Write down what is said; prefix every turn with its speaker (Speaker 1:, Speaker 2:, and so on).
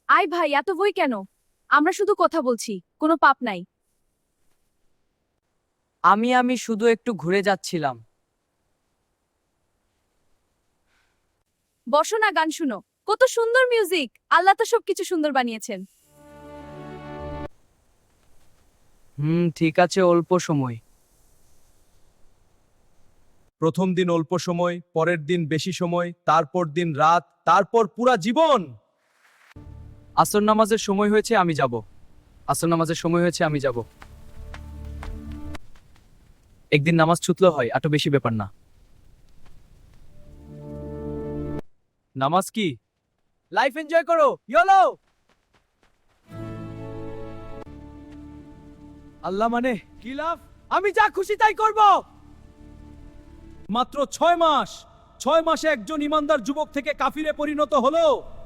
Speaker 1: আয় ভাই, এত বই কেন? আমরা শুধু কথা বলছি, কোনো পাপ নাই।
Speaker 2: আমি শুধু একটু ঘুরে যাচ্ছিলাম।
Speaker 1: বসো না, গান শুনো। কত সুন্দর মিউজিক! আল্লাহ তো সবকিছু সুন্দর বানিয়েছেন।
Speaker 2: ঠিক আছে, অল্প সময়।
Speaker 3: প্রথম দিন অল্প সময়, পরের দিন বেশি সময়, তারপর দিন রাত, তারপর পুরা জীবন।
Speaker 2: আসর নামাজের সময় হয়েছে, আমি যাব। আসর নামাজের সময় হয়েছে, আমি যাব। একদিন নামাজ ছুটলো হয়, এত বেশি ব্যাপার না। নামাজ কি? লাইফ এনজয় করো, ইয়োলো। আল্লাহ মানে কি লাভ? আমি যা খুশি তাই করব।
Speaker 3: মাত্র 6 মাস, 6 মাসে একজন ইমানদার যুবক থেকে কাফিরে পরিণত হলো।